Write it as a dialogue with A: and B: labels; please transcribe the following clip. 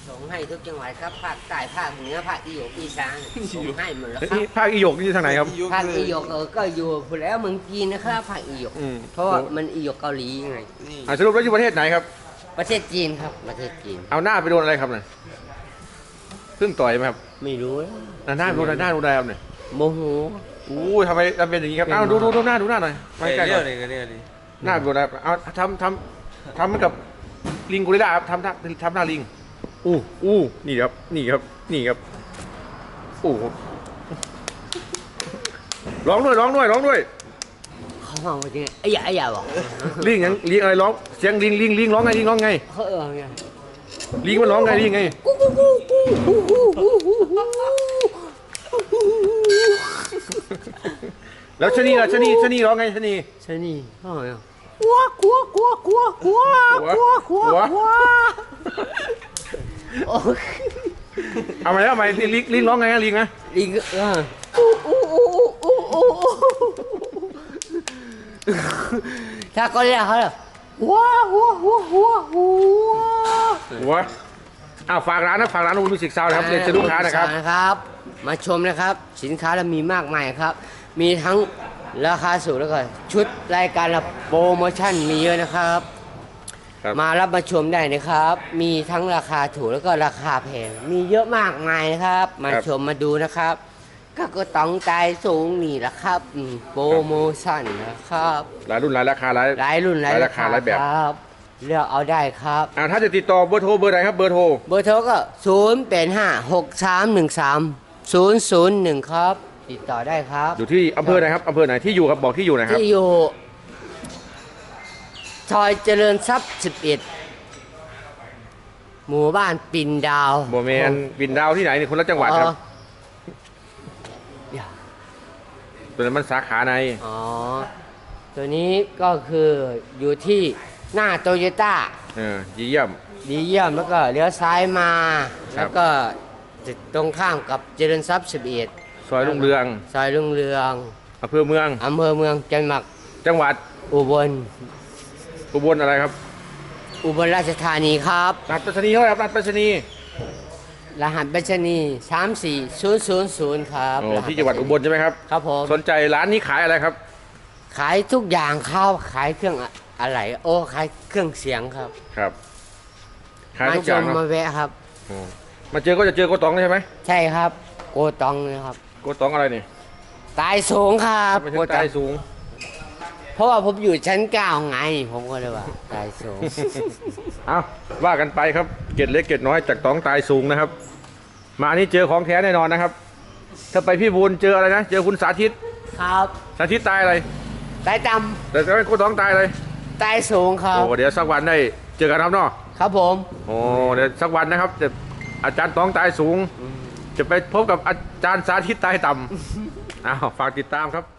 A: ส่งให้ทุกจังหวัดครับภาคใต้ภาคเหนือภาคอีสานอีสานส่งให้หมดแล้วครับ
B: นี่ภาคอีหยกนี่อยู่ทางไหนครับ
A: ภาคอีหยกก็อยู่พูดแล้วเมืองจีนนะครับภาคอีหยกเพราะว่ามันอีหยกเกาหลีไง
B: สรุปแล้วอยู่ประเทศไหนครับ
A: ประเทศจีนครับประเทศจีน
B: เอาหน้าไปโดนอะไรครับเนี่ยเพิ่งต่อยไหมครับ
A: ไม่รู้
B: หน้าไปโดนอะไรหน้าโดนอะไรครับเนี่ย
A: โมโห
B: อู้ทำไมเป็นอย่างนี้ครับเอาดูหน้าหน่อยมาใกล้ๆหน่อยหน้าไปโดนอะไรเอาทำเหมือนกับลิงกูริลลาครับทำหน้าลิงอู้นี่ครับอู้ร้องด้วย
A: เขามองว่ายังไงไอ้ยาบอก
B: ลิงอะไรร้องเสียงลิงร้องไงไง
A: เขาไง
B: ลิงมันร้องไงลิงไงแล้วชะนีล่ะชะนีร้องไงชะนี
A: ใช่นี่เขาไง
B: หัว
A: โอ้
B: เอาไหมลิงร้องไงลิงนะ
A: ลิงถ้าก็เรียกเขาเลยหัว
B: ฝากร้านอูมิสิกซาวนะครับเรียนเชิญลูกค้านะครับ
A: มาชมนะครับสินค้าเรามีมากมายครับ มีทั้งราคาสูงแล้วก็ชุดรายการโปรโมชั่นมีเยอะนะครับ มารับมาชมได้นะครับ มีทั้งราคาถูกแล้วก็ราคาแพงมีเยอะมากมายนะครับ มาชมมาดูนะครับ ก็ต้องใจสูงนี่แหละครับโปรโมชั่นนะครับ
B: หลายรุ่นหลายราคาหลาย
A: รุ่นหลายราคา
B: หลายแบบ
A: ครับเลือกเอาได้ครับ
B: ถ้าจะติดต่อเบอร์โทรเบอร์ไหนครับเบอร์โทร
A: เบอร์โทรก็0856313001ครับติดต่อได้ครับ
B: อยู่ที่อำเภอไหนครับอำเภอไหนที่อยู่ครับบอกที่อยู่หนะครับ
A: ที่อยู่ซอยเจริญทรัพย์11หมู่บ้านปิ่นดาว
B: โมเมนปิ่นดาวที่ไหนนี่คนละจังหวัดครับ
A: อย่า
B: ตัวนั้นมันสาขาใน
A: อ๋อตัวนี้ก็คืออยู่ที่หน้าโตโยต้า
B: เยี่ยม
A: ดีเยี่ยมแล้วก็เลี้ยวซ้ายมา
B: ครับ
A: แล้วก็ตรงข้ามกับเจริญทรัพย์11
B: ซอยรุ่งเรือง
A: ซอยรุ่งเรือง
B: อำเภอเมือง
A: อำเภอเมืองจังหวัด
B: จังหวัด
A: อุบล
B: อุบลอะไรครับ
A: อุบลราชธานีครับ
B: รหัสไปรษณีย์เท่าไหร่ครับรหัสไปรษณีย์
A: รหัสไปรษณีย์34000ครับ
B: ที่จังหวัดอุบลใช่ไหมครับ
A: ครับผม
B: สนใจร้านนี้ขายอะไรครับ
A: ขายทุกอย่างครับขายเครื่องอะไรขายเครื่องเสียงครับ
B: ครับขาย
A: มา
B: ทุก
A: ช
B: อย่าง
A: ม
B: เน
A: มา
B: อะ
A: แวะครับ
B: มาเจอก็จะเจอโกตองใช่ไหม
A: ใช่ครับโกตองนะครับ
B: โกตองอะไรนี่
A: ตายสูงครับ
B: ไม่ใช่ใต้สูง
A: เพราะว่าผมอยู่ชั้น9ไง ผมก็เลยว่าตายสูง
B: เอาว่ากันไปครับเกร็ดเล็กเกร็ดน้อยจากตองตายสูงนะครับ มาอันนี้เจอของแท้แน่นอนนะครับ ถ้าไปพี่บูลเจออะไรนะเจอคุณสาธิต
A: ครับ
B: สาธิตตายอะไร
A: ตายต่
B: แต่ไม่โกตองตายอะไร
A: ำตายสูงครับ
B: โอ้เดี๋ยวสักวันได้เจอกันครับเนาะ
A: ครับผม
B: โอ้เดี๋ยวสักวันนะครับจะอาจารย์ตองตายสูง จะไปพบกับอาจารย์สาธิตตายต่ำ อ้าวฝากติดตามครับ